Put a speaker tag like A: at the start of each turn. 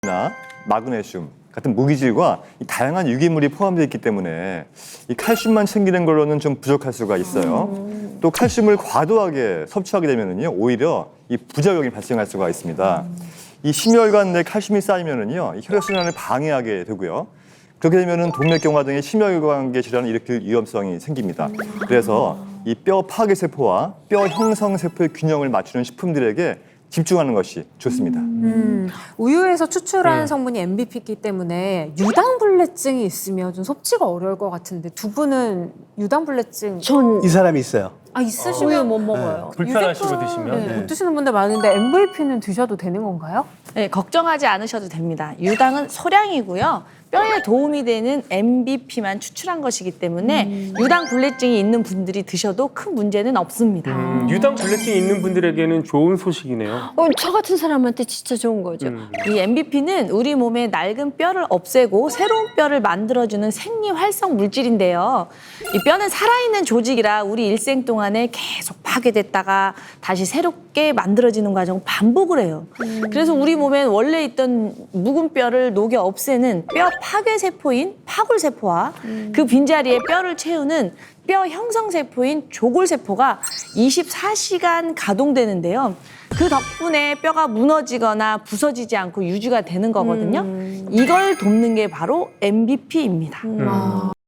A: 나 마그네슘 같은 무기질과 이 다양한 유기물이 포함되어 있기 때문에 이 칼슘만 챙기는 걸로는 좀 부족할 수가 있어요. 또 칼슘을 과도하게 섭취하게 되면은요, 오히려 이 부작용이 발생할 수가 있습니다. 이 심혈관 내 칼슘이 쌓이면은요, 이 혈액순환을 방해하게 되고요. 그렇게 되면은 동맥경화 등의 심혈관계 질환을 일으킬 위험성이 생깁니다. 그래서 이 뼈 파괴 세포와 뼈 형성 세포의 균형을 맞추는 식품들에게 집중하는 것이 좋습니다.
B: 우유에서 추출한 성분이 MBP이기 때문에 유당불내증이 있으면 좀 섭취가 어려울 것 같은데 두 분은 유당불내증
C: 이 사람이 있어요.
B: 있으시면
D: 못 먹어요.
E: 불편하시고 드시면.
B: 못 드시는 분들 많은데 MVP는 드셔도 되는 건가요?
D: 네, 걱정하지 않으셔도 됩니다. 유당은 소량이고요. 뼈에 도움이 되는 MBP만 추출한 것이기 때문에 유당 불내증이 있는 분들이 드셔도 큰 문제는 없습니다.
E: 유당 불내증이 있는 분들에게는 좋은 소식이네요.
C: 저 같은 사람한테 진짜 좋은 거죠.
D: 이 MBP는 우리 몸의 낡은 뼈를 없애고 새로운 뼈를 만들어주는 생리활성 물질인데요. 이 뼈는 살아있는 조직이라 우리 일생 동안에 계속 파괴됐다가 다시 새롭게 만들어지는 과정을 반복을 해요. 그래서 우리 몸에 원래 있던 묵은 뼈를 녹여 없애는 뼈 파괴 세포인 파골 세포와 그 빈자리에 뼈를 채우는 뼈 형성 세포인 조골 세포가 24시간 가동되는데요. 그 덕분에 뼈가 무너지거나 부서지지 않고 유지가 되는 거거든요. 이걸 돕는 게 바로 MBP입니다.